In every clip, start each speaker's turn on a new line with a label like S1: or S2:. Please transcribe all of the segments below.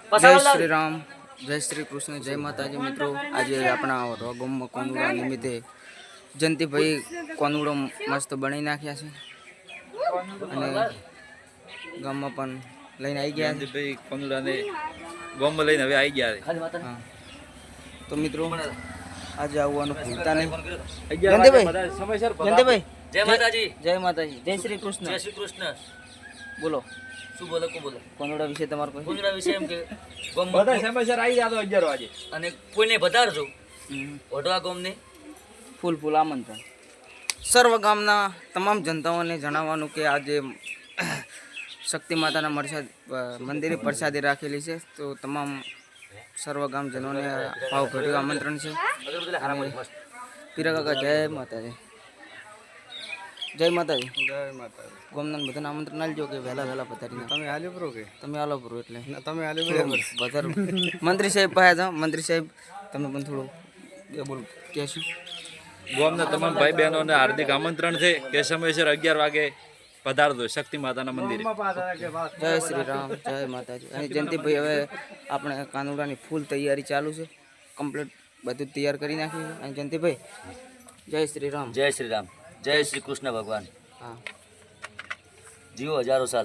S1: જય શ્રી રામ, જય શ્રી કૃષ્ણ, જય માતાજી મિત્રો. આજે આપણા રોગમમાં કોનુડા નિમિત્તે જયંતિભાઈ કોનુડો મસ્ત બનાવી નાખ્યા છે અને ગામમાં પણ લઈને આવી ગયા છે.
S2: ભાઈ કોનુડાને ગામમાં લઈને હવે આવી ગયા છે.
S1: હા તો મિત્રો આજે આવવાનું ભૂલતા નહીં. જયંતિભાઈ
S3: જય માતાજી,
S1: જય માતાજી, જય શ્રી કૃષ્ણ.
S3: જય શ્રી કૃષ્ણ.
S1: બોલો
S3: શું બોલે કો બોલે
S1: કોનુડા વિશે તમારું કોઈ
S3: કોંગડા વિશે એમ કે ગોમ
S2: બધા સમયસર આવી જાતો 11 વાગે
S3: અને કોઈને વધારજો વઢવા ગોમને
S1: ફૂલ આમંત્રણ. સર્વ ગામના તમામ જનતાઓને જણાવવાનું કે આજે શક્તિ માતાના મંદિરે પ્રસાદી રાખેલી છે, તો તમામ સર્વ ગામજનોને ભાવભર્યું આમંત્રણ છે. પીરા કાકા જય માતાજી, જય માતાજી.
S2: જય માતા.
S1: ગામના બધાને આમંત્રણ આલજો કે વહેલા પધારીને
S2: તમે હાલ્યો પ્રો કે
S1: તમે આલો પૂરો એટલે
S2: તમે હાલ્યો બરાબર
S1: વધારે મંત્રી સાહેબ પાસે જાઓ. મંત્રી સાહેબ તમે પણ થોડું બોલ કહેશું.
S2: ગામના તમામ ભાઈ બહેનોને હાર્દિક આમંત્રણ છે કે સમયસર 11 વાગે પધારજો શક્તિ માતાના મંદિરે.
S1: જય શ્રી રામ, જય માતાજી. અને જયંતિભાઈ હવે આપણે કાનુડાની ફૂલ તૈયારી ચાલુ છે, કમ્પ્લીટ બધું તૈયાર કરી નાખ્યું છે. અને જયંતિભાઈ જય શ્રી રામ,
S3: જય શ્રી રામ, જય શ્રી કૃષ્ણ ભગવાન.
S1: હા
S3: જીવો હજારો સાલ.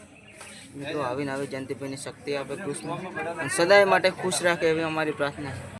S1: મિત્રો આવીને આવી જયંતિભાઈને શક્તિ આપે કૃષ્ણ અને સદાય માટે ખુશ રાખે એવી અમારી પ્રાર્થના છે.